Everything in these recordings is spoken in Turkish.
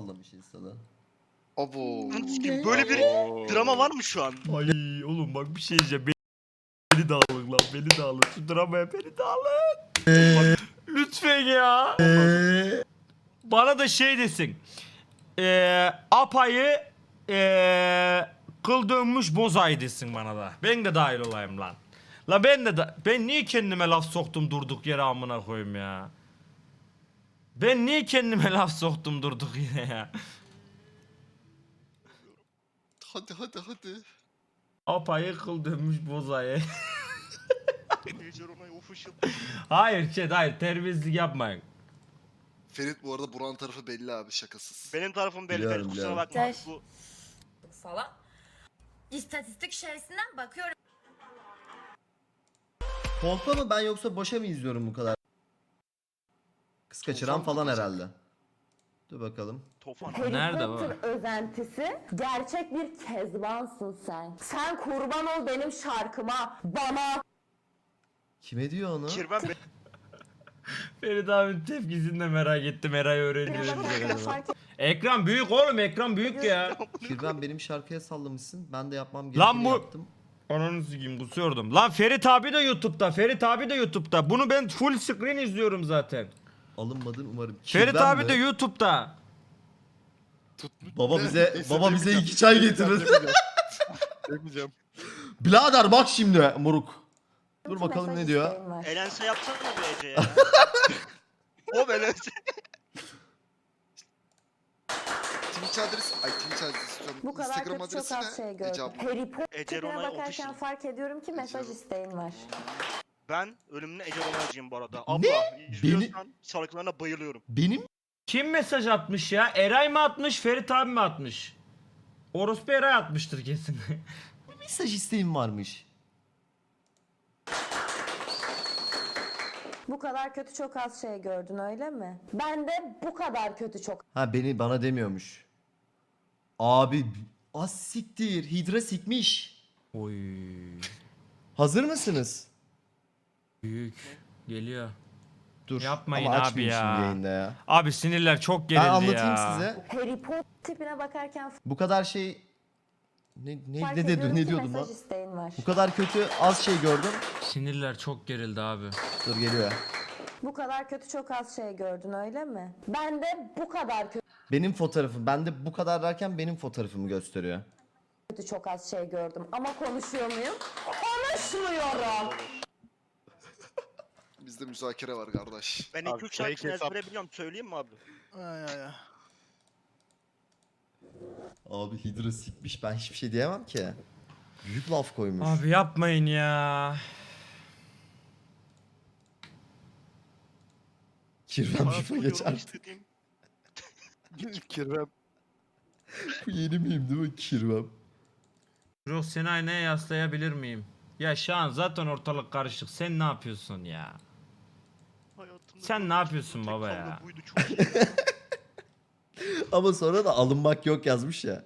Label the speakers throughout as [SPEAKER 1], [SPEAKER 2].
[SPEAKER 1] sallamış insana.
[SPEAKER 2] Abo.
[SPEAKER 3] Böyle bir drama var mı şu an?
[SPEAKER 4] Ay oğlum bak bir şey diyeceğim. Beni de alın lan, beni de alın. Şu dramaya beni de alın. Lütfen ya. Bana da şey desin. Apayı kıl dönmüş bozay desin bana da. Ben de dahil olayım lan. La ben niye kendime laf soktum durduk yere amına koyayım ya. Ben niye kendime laf soktum durduk yere ya.
[SPEAKER 2] Hadi.
[SPEAKER 4] Apayı kıl dönmüş bozayı.
[SPEAKER 3] Ece Ronay official.
[SPEAKER 4] hayır terbiyesizlik yapmayın.
[SPEAKER 2] Ferit bu arada Buran tarafı belli abi, şakasız.
[SPEAKER 3] Benim tarafım belli.
[SPEAKER 1] Biliyorum,
[SPEAKER 3] Ferit kusura
[SPEAKER 1] biliyorum.
[SPEAKER 3] bakma.
[SPEAKER 5] Güzel.
[SPEAKER 3] Bu
[SPEAKER 5] falan. İstatistik şeysinden bakıyorum.
[SPEAKER 1] Kolpa mı ben yoksa boşa mı izliyorum bu kadar? Kız kaçıran
[SPEAKER 2] Tufan
[SPEAKER 1] falan
[SPEAKER 2] bakacak.
[SPEAKER 1] herhalde. Dur bakalım.
[SPEAKER 3] Tofan.
[SPEAKER 6] Harry
[SPEAKER 4] Nerede
[SPEAKER 6] Potter özentisi gerçek bir kezbansın sen. Sen kurban ol benim şarkıma, bana.
[SPEAKER 1] Kime diyor onu?
[SPEAKER 3] Kirven be.
[SPEAKER 4] Ferit abinin tepkisini de merak ettim. Eray öğreneceğiz bize galiba.
[SPEAKER 6] Fark
[SPEAKER 4] Ekran büyük oğlum, ekran büyük ya.
[SPEAKER 1] Kirben benim şarkıya sallamışsın. Ben de yapmam
[SPEAKER 4] Lan
[SPEAKER 1] gerekeni
[SPEAKER 4] bu-
[SPEAKER 1] yaptım.
[SPEAKER 4] Ananı sikeyim kusuyordum. Lan Ferit abi de YouTube'da. Ferit abi de YouTube'da. Bunu ben full screen izliyorum zaten.
[SPEAKER 1] Alınmadın umarım.
[SPEAKER 4] Ferit
[SPEAKER 1] Kirben
[SPEAKER 4] abi
[SPEAKER 1] mi?
[SPEAKER 4] de YouTube'da.
[SPEAKER 1] Baba bize 2 çay getirir.
[SPEAKER 2] Demeyeceğim.
[SPEAKER 1] Birader bak şimdi moruk. Dur
[SPEAKER 6] ki
[SPEAKER 1] bakalım
[SPEAKER 6] mesaj
[SPEAKER 1] ne diyor.
[SPEAKER 6] isteğim var.
[SPEAKER 3] Elense yapsana bir Ece ya. O Elense.
[SPEAKER 2] Twitch adresi, Twitch adresi istiyorum.
[SPEAKER 6] Bu kadar
[SPEAKER 2] Instagram
[SPEAKER 6] kötü çok
[SPEAKER 2] adresi
[SPEAKER 6] az şey
[SPEAKER 2] ne?
[SPEAKER 6] gördüm.
[SPEAKER 2] Ece abla.
[SPEAKER 6] Harry Potter
[SPEAKER 3] Ece
[SPEAKER 6] tipine
[SPEAKER 3] Ronay
[SPEAKER 6] bakarken
[SPEAKER 3] official.
[SPEAKER 6] fark ediyorum ki mesaj
[SPEAKER 2] Ece-
[SPEAKER 6] isteğin var.
[SPEAKER 3] Ben ölümüne Ece Ronay'cıyım bu arada. Abla izliyorsan şarkılarına bayılıyorum.
[SPEAKER 1] Benim
[SPEAKER 4] Kim mesaj atmış ya? Eray mı atmış, Ferit abi mi atmış? Orospu Eray atmıştır kesin.
[SPEAKER 1] mesaj isteğim varmış.
[SPEAKER 6] Bu kadar kötü çok az şey gördün öyle mi? Ben de bu kadar kötü çok
[SPEAKER 1] Ha bana demiyormuş. Abi az siktir. Hidra sikmiş.
[SPEAKER 4] Oy.
[SPEAKER 1] Hazır mısınız?
[SPEAKER 4] Büyük. Geliyor.
[SPEAKER 1] Dur.
[SPEAKER 4] Yapmayın
[SPEAKER 1] ama
[SPEAKER 4] abi
[SPEAKER 1] açmayayım
[SPEAKER 4] ya.
[SPEAKER 1] şimdi yayında ya.
[SPEAKER 4] Abi sinirler çok gerildi
[SPEAKER 1] Ben
[SPEAKER 4] ya.
[SPEAKER 1] anlatayım size.
[SPEAKER 6] Harry Potter tipine bakarken
[SPEAKER 1] Bu kadar şey
[SPEAKER 6] fark
[SPEAKER 1] ne
[SPEAKER 6] ediyorum ki
[SPEAKER 1] diyordum lan?
[SPEAKER 6] mesaj isteğin var.
[SPEAKER 1] Bu kadar kötü az şey gördüm.
[SPEAKER 4] Sinirler çok gerildi abi.
[SPEAKER 1] Dur geliyor.
[SPEAKER 6] Bu kadar kötü çok az şey gördün öyle mi? Ben de bu kadar
[SPEAKER 1] Benim fotoğrafım. Ben de bu kadar derken benim fotoğrafımı gösteriyor.
[SPEAKER 6] kötü çok az şey gördüm. Ama konuşuyor muyum? Konuşmuyorum.
[SPEAKER 2] Bizde müzakere var kardeş.
[SPEAKER 3] Ben
[SPEAKER 7] Abi,
[SPEAKER 3] 2-3 şarkısını
[SPEAKER 7] hesap.
[SPEAKER 3] ezbere biliyorum. Söyleyeyim mi abi?
[SPEAKER 1] Abi Hidra sikmiş. Ben hiçbir şey diyemem ki. Büyük laf koymuş.
[SPEAKER 4] Abi yapmayın ya.
[SPEAKER 1] Kirvem
[SPEAKER 3] Bana
[SPEAKER 1] şifa
[SPEAKER 3] yorum
[SPEAKER 1] geç artık.
[SPEAKER 3] istediğim-
[SPEAKER 7] Kirvem.
[SPEAKER 1] Bu yeni miyim değil mi? Kirvem.
[SPEAKER 4] Bro seni aynaya yaslayabilir miyim? Ya şu an zaten ortalık karışık. Sen ne yapıyorsun ya?
[SPEAKER 3] Hayatımda
[SPEAKER 4] Sen ne
[SPEAKER 3] gördüğüm
[SPEAKER 4] yapıyorsun
[SPEAKER 3] tek
[SPEAKER 4] baba
[SPEAKER 3] kavga
[SPEAKER 4] ya?
[SPEAKER 3] Buydu, çok iyi.
[SPEAKER 1] Ama sonra da alınmak yok yazmış ya.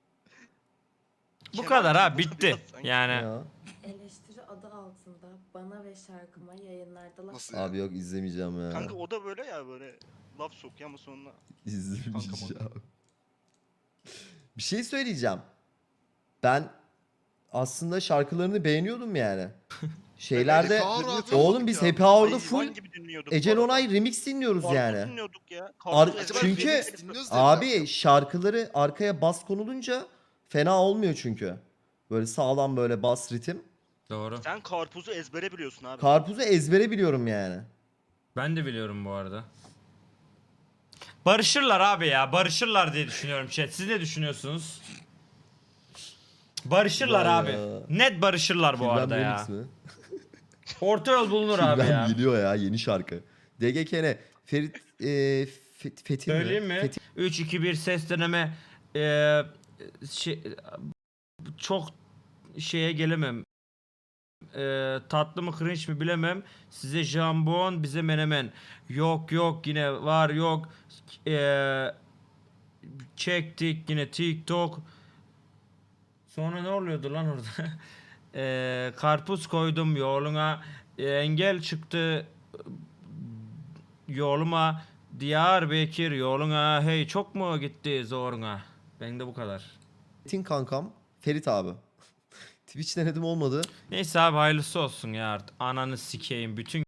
[SPEAKER 4] Bu
[SPEAKER 3] Kemal
[SPEAKER 4] kadar ha
[SPEAKER 3] Sunal
[SPEAKER 4] bitti.
[SPEAKER 3] biraz sanki.
[SPEAKER 4] Yani
[SPEAKER 1] Ya.
[SPEAKER 6] Eleştiri adı altında bana ve şarkıma yayınlarda laf
[SPEAKER 2] Nasıl ya?
[SPEAKER 1] Abi yok izlemeyeceğim ya.
[SPEAKER 3] Kanka o da böyle ya, böyle laf sokuyor ama sonra
[SPEAKER 1] İzlemeyeceğim. Bir şey söyleyeceğim. Ben aslında şarkılarını beğeniyordum yani. Şeylerde
[SPEAKER 2] Happy Hour abi.
[SPEAKER 1] oğlum biz
[SPEAKER 2] Ya.
[SPEAKER 1] Happy Hour'da
[SPEAKER 3] hayvan
[SPEAKER 1] full
[SPEAKER 3] gibi dinliyorduk
[SPEAKER 1] Ece
[SPEAKER 3] bu arada.
[SPEAKER 1] Onay remix dinliyoruz
[SPEAKER 3] Karpuz
[SPEAKER 1] yani.
[SPEAKER 3] dinliyorduk ya.
[SPEAKER 1] Ar-
[SPEAKER 3] Karpuz ezbere
[SPEAKER 1] çünkü-
[SPEAKER 3] dinliyorduk.
[SPEAKER 2] dinliyoruz diye
[SPEAKER 1] Abi
[SPEAKER 2] biliyorum.
[SPEAKER 1] şarkıları arkaya bas konulunca fena olmuyor çünkü. Böyle sağlam böyle bas ritim.
[SPEAKER 4] doğru.
[SPEAKER 3] Sen karpuzu ezbere biliyorsun abi.
[SPEAKER 1] Karpuzu ezbere biliyorum yani.
[SPEAKER 4] Ben de biliyorum bu arada. Barışırlar abi ya. Barışırlar diye düşünüyorum chat. Siz ne düşünüyorsunuz? Barışırlar
[SPEAKER 1] Vay
[SPEAKER 4] abi.
[SPEAKER 1] ya.
[SPEAKER 4] Net barışırlar bu
[SPEAKER 1] Kirvem
[SPEAKER 4] arada ya.
[SPEAKER 1] remix mi?
[SPEAKER 4] Orta yol bulunur abi
[SPEAKER 1] Kirvem
[SPEAKER 4] ya.
[SPEAKER 1] geliyor ya yeni şarkı. DGKN Ferit Fethi mi?
[SPEAKER 4] Söyleyeyim mi?
[SPEAKER 1] Fethi-
[SPEAKER 4] 3 2 1 ses deneme. Şey, çok şeye gelemem. Tatlı mı cringe mi bilemem. Size jambon, bize menemen. Yok yok yine var yok. Çektik yine TikTok. Sonra ne oluyordu lan orada? Karpuz koydum yoluna. Engel çıktı yoluma. Diyarbakır yoluna hey çok mu gitti zoruna? Ben de bu kadar.
[SPEAKER 1] Tin kankam Ferit abi. Twitch denedim olmadı.
[SPEAKER 4] Neyse abi hayırlısı olsun ya artık. Ananı sikeyim bütün